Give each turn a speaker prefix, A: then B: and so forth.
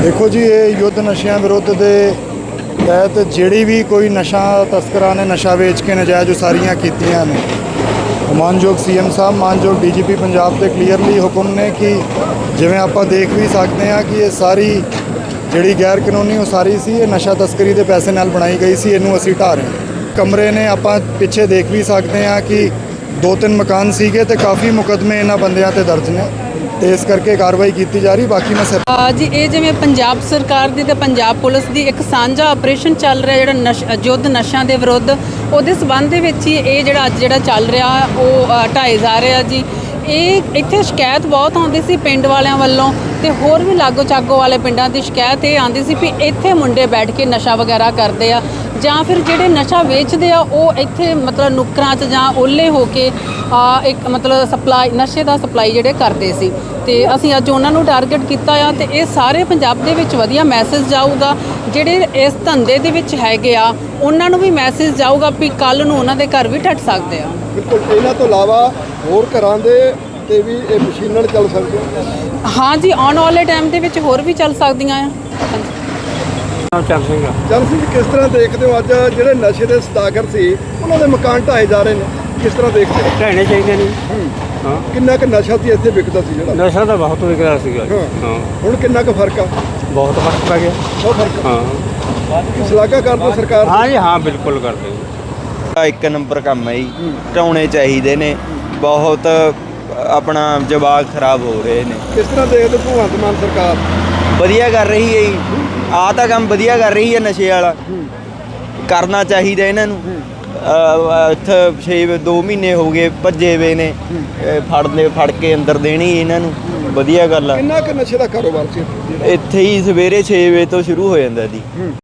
A: देखो जी, ये युद्ध नशियां विरुद्ध के तहत ਜਿਹੜੀ भी कोई नशा तस्करां ने नशा वेच के नजायज़ उसारियां कीतियां ने, मानयोग सीएम साहब मानयोग DGP पंजाब के क्लीयरली हुक्म ने कि जिवें आपां देख भी सकते हैं कि ये सारी ਜਿਹੜੀ गैर कानूनी उसारी सी ये नशा तस्करी के पैसे नाल बनाई गई सी। इनू असीं ढा रहे हैं। कमरे ने आपां पिछे देख भी सकते हैं कि 2-3 मकान सीगे ते काफ़ी मुकदमे इन्हां बंदियां ते दर्ज ने, तो इस करके कार्रवाई की जा रही। बाकी मैं
B: जी ये जिवें पंजाब सरकार दी ते पंजाब पुलिस दी एक साझा ऑपरेशन चल रहा जिहड़ा युद्ध नशा के विरुद्ध, उहदे संबंध दे विच ही ये जिहड़ा अज जिहड़ा चल रहा वो ढाए जा रहा जी। ये इत्थे शिकायत बहुत आउंदी सी पिंड वालियां वल्लों ते होर भी लागो चागो वाले पिंडां दी शिकायत ये आउंदी सी भी इत्थे मुंडे बैठ के नशा वगैरह करते आ जां फिर जिहड़े नशा वेचदे आ वो इत्थे मतलब नुक्करां च जां ओले हो के एक मतलब सप्लाई नशे दा सप्लाई जिहड़े करदे सी। ते असीं अज उन्हां नूं टारगेट कीता आ ते ये सारे पंजाब दे विच वधिया मैसेज जाऊगा। जिहड़े इस धंधे दे विच हैगे आ उन्हां नूं भी मैसेज जाऊगा भी कल नूं उन्हां दे घर भी ढट सकदे आ।
C: बिल्कुल। इन्हां तो इलावा होर घरां दे ते भी ये मशीनां चल सकदियां।
B: हाँ जी, आने वाले टाइम दे विच होर भी चल सकदियां आ।
C: चल ਸਿੰਘ किस तरह देखते हो अज ਜਿਹੜੇ नशे के सदागर ਸੀ ਉਹਨਾਂ ਦੇ ਮਕਾਨ ਢਾਏ ਜਾ ਰਹੇ ਨੇ, किस तरह देखते हो?
D: ਢਹਿਣੇ ਚਾਹੀਦੇ ਨੇ। ਹਾਂ,
C: ਕਿੰਨਾ ਕੁ ਨਸ਼ਾ ਸੀ ਇੱਥੇ ਵਿਕਦਾ ਸੀ ਜਿਹੜਾ?
D: ਨਸ਼ਾ ਤਾਂ ਬਹੁਤ ਵਿਕਦਾ ਸੀਗਾ। ਹਾਂ,
C: ਹੁਣ ਕਿੰਨਾ ਕੁ ਫਰਕ ਆ?
D: ਬਹੁਤ ਫਰਕ ਪੈ ਗਿਆ।
C: ਬਹੁਤ ਫਰਕ।
D: ਹਾਂ,
C: ਸ਼ਲਾਘਾ ਕਰਦੇ ਸਰਕਾਰ?
D: ਹਾਂ ਜੀ, ਹਾਂ ਬਿਲਕੁਲ ਕਰਦੇ।
E: ਇੱਕ ਨੰਬਰ ਕੰਮ ਹੈ ਜੀ, ਢਾਉਣੇ ਚਾਹੀਦੇ ਨੇ। ਬਹੁਤ ਆਪਣਾ ਜਵਾਕ ਖਰਾਬ ਹੋ ਰਹੇ ਨੇ।
C: ਕਿਸ ਤਰ੍ਹਾਂ ਦੇਖਦੇ ਭਗਵੰਤ ਮਾਨ ਸਰਕਾਰ?
E: ਵਧੀਆ ਕਰ ਰਹੀ ਹੈ ਜੀ, ਆਹ ਤਾਂ ਕੰਮ ਵਧੀਆ ਕਰ ਰਹੀ ਹੈ। ਨਸ਼ੇ ਵਾਲਾ ਕਰਨਾ ਚਾਹੀਦਾ ਇਹਨਾਂ ਨੂੰ। ਇੱਥੇ 2 ਮਹੀਨੇ ਹੋ ਗਏ ਭੱਜੇ ਵੇ ਨੇ, ਫੜ ਕੇ ਅੰਦਰ ਦੇਣੀ ਇਹਨਾਂ ਨੂੰ। ਵਧੀਆ ਗੱਲ ਆ।
C: ਕਿੰਨਾ ਕੁ ਨਸ਼ੇ ਦਾ ਕਾਰੋਬਾਰ ਸੀ
E: ਇੱਥੇ ਹੀ ਸਵੇਰੇ 6 ਵਜੇ ਤੋਂ ਸ਼ੁਰੂ ਹੋ ਜਾਂਦਾ ਜੀ।